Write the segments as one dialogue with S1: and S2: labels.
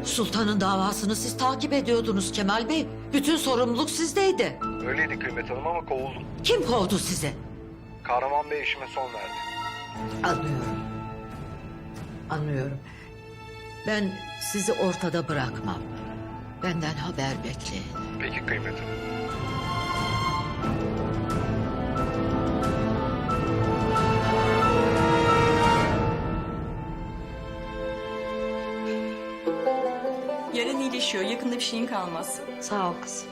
S1: Sultanın davasını siz takip ediyordunuz Kemal Bey. Bütün sorumluluk sizdeydi.
S2: Öyleydi Kıymet Hanım ama kovuldum.
S1: Kim kovdu sizi?
S2: Kahraman Bey işime son verdi.
S1: Anlıyorum. Anlıyorum. Ben sizi ortada bırakmam. Benden haber bekleyin.
S2: Peki Kıymet Hanım.
S3: Yarın iyileşiyor. Yakında bir şeyin kalmaz.
S4: Sağ ol kızım.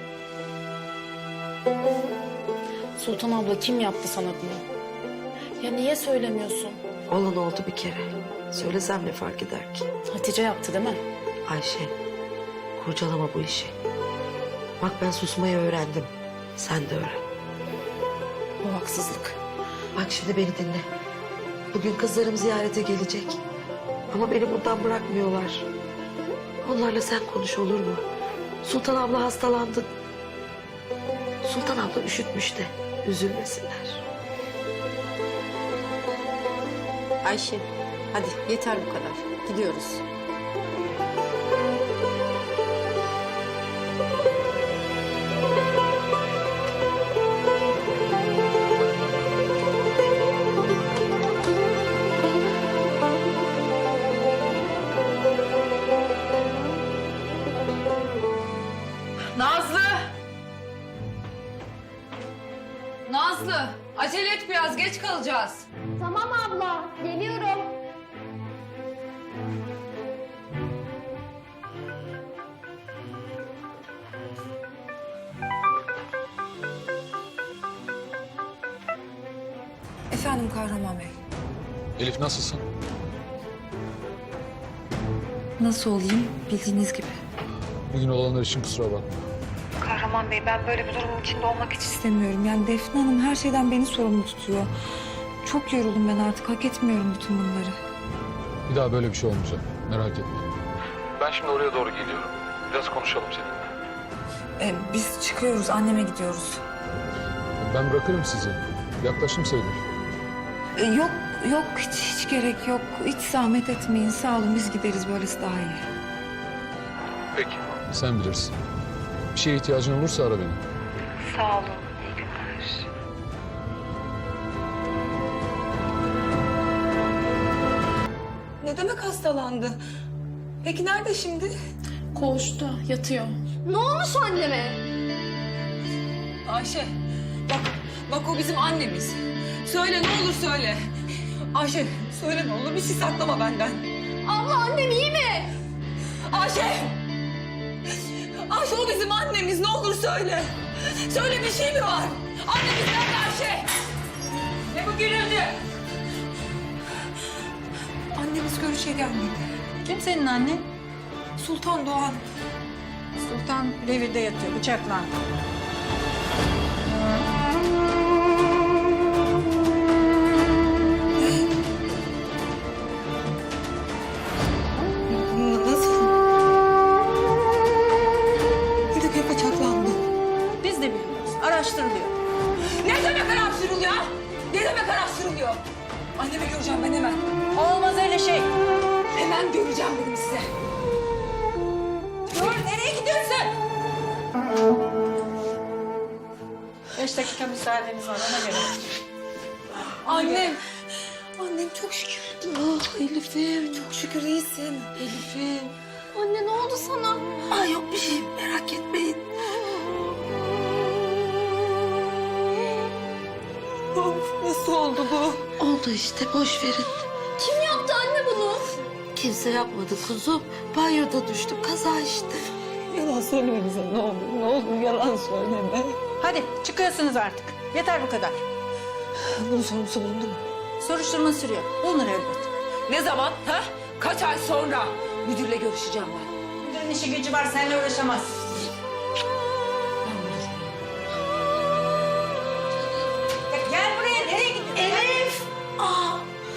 S5: Sultan abla kim yaptı sana bunu? Ya niye söylemiyorsun?
S4: Olan oldu bir kere. Söylesem ne fark eder ki?
S5: Hatice yaptı değil mi?
S4: Ayşe, kurcalama bu işi. Bak ben susmayı öğrendim. Sen de öğren.
S5: Bu haksızlık.
S4: Bak şimdi beni dinle. Bugün kızlarım ziyarete gelecek. Ama beni buradan bırakmıyorlar. Onlarla sen konuş olur mu? Sultan abla hastalandı. Sultan abla üşütmüş de üzülmesinler.
S6: Ayşe, hadi yeter bu kadar. Gidiyoruz.
S7: Nazlı! Nazlı! Acele et biraz, geç kalacağız.
S8: Tamam abla, geliyorum.
S7: Efendim Kahraman Bey.
S9: Elif nasılsın?
S7: Nasıl olayım? Bildiğiniz gibi.
S9: Bugün olanlar için kusura bakma.
S7: Kahraman Bey, ben böyle bir durumun içinde olmak hiç istemiyorum. Yani Defne Hanım her şeyden beni sorumlu tutuyor. Çok yoruldum ben artık, hak etmiyorum bütün bunları.
S9: Bir daha böyle bir şey olmayacak. Merak etme. Ben şimdi oraya doğru geliyorum. Biraz konuşalım seninle.
S7: Biz çıkıyoruz, anneme gidiyoruz.
S9: Ben bırakırım sizi. Yaklaştım sayılır.
S7: Yok, hiç gerek yok. Hiç zahmet etmeyin, sağ olun. Biz gideriz, böylesi daha iyi.
S9: Peki. Sen bilirsin. Bir şeye ihtiyacın olursa ara beni.
S7: Sağ olun, iyi günler. Ne demek hastalandı? Peki nerede şimdi?
S5: Koğuşta yatıyor.
S8: Ne olmuş anneme?
S7: Ayşe, bak o bizim annemiz. Söyle, ne olur söyle. Ayşe, söyle ne olur, bir şey saklama benden.
S8: Abla annem iyi mi?
S7: Ayşe! Ayşe, o bizim annemiz, ne olur söyle. Söyle, bir şey mi var? Annemiz nerede Ayşe? Ne bu gürültü? Annemiz görüşe gelmedi.
S6: Kim senin annen?
S7: Sultan Doğan.
S6: Sultan revirde yatıyor, bıçaklandı.
S7: Nasıl? Ne demek bıçaklandı?
S6: Biz de bilmiyoruz, araştırılıyor.
S7: Ne demek araştırılıyor? Ne demek araştırılıyor? Annemi göreceğim ben hemen.
S6: Olmaz öyle şey.
S7: Hemen göreceğim dedim size. Dur, nereye gidiyorsun?
S6: 5 dakika müsaadeniz var, ona göre.
S7: Annem. Annem çok şükür. Ah Elif'im, çok şükür iyisin. Elif'im.
S8: Anne ne oldu sana?
S4: Ay yok bir şey merak etmeyin.
S7: Of, nasıl oldu bu?
S4: Oldu işte boş verin.
S8: Kim yaptı anne bunu?
S4: Kimse yapmadı kuzum. Banyoda düştüm kaza işte.
S7: Yalan söyleme bize ne olur. Ne olur yalan söyleme.
S6: Hadi çıkıyorsunuz artık. Yeter bu kadar.
S7: Bunun sorumlusu bulundu mu?
S6: Soruşturma sürüyor. Bulunur elbet.
S7: Ne zaman? Ha? Kaç ay sonra? Müdürle görüşeceğim ben.
S6: Müdürün işi gücü var, seninle uğraşamaz. Gel buraya, nereye gidiyorsun?
S4: Elif! Aa!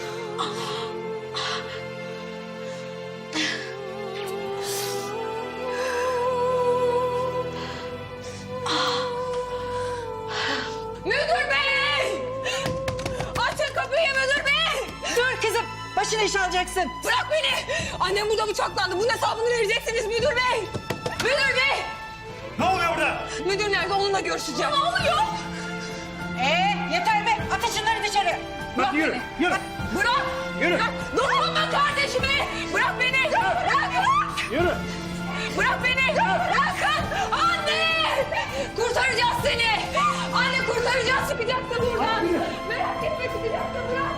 S7: Müdür bey! Açın kapıyı müdür bey!
S6: Dur kızım, başına iş alacaksın.
S7: Bırak beni! Annem burada bıçaklandı. Bunun hesabını vereceksiniz müdür bey! Müdür bey!
S10: Ne oluyor burada?
S7: Müdür nerede? Onunla görüşeceğim. Ne oluyor?
S11: Yeter be! Atın şunları dışarı!
S7: Bırak
S10: Yürü,
S7: beni!
S10: yürü.
S7: Bırak!
S10: Yürü.
S7: Bırak! Dokunma kardeşime! Bırak beni! Bırak!
S10: Yürü.
S7: Bırak beni! Bırakın! Anne! Kurtaracağız seni! Anne kurtaracağız, çıkacaksın buradan! Merak etme, çıkacaksın, bırak!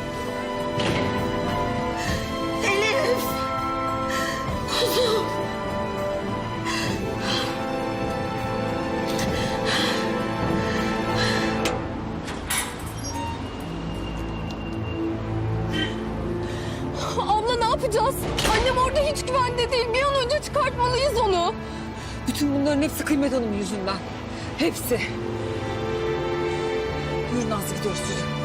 S7: Elif! Kuzum!
S8: Abla ne yapacağız? Annem orada hiç güvende değil. Bir an önce çıkartmalıyız onu.
S7: Bütün bunların hepsi Kıymet Hanım yüzünden. Hepsi. Yürü Nazlı, gidiyoruz yürü.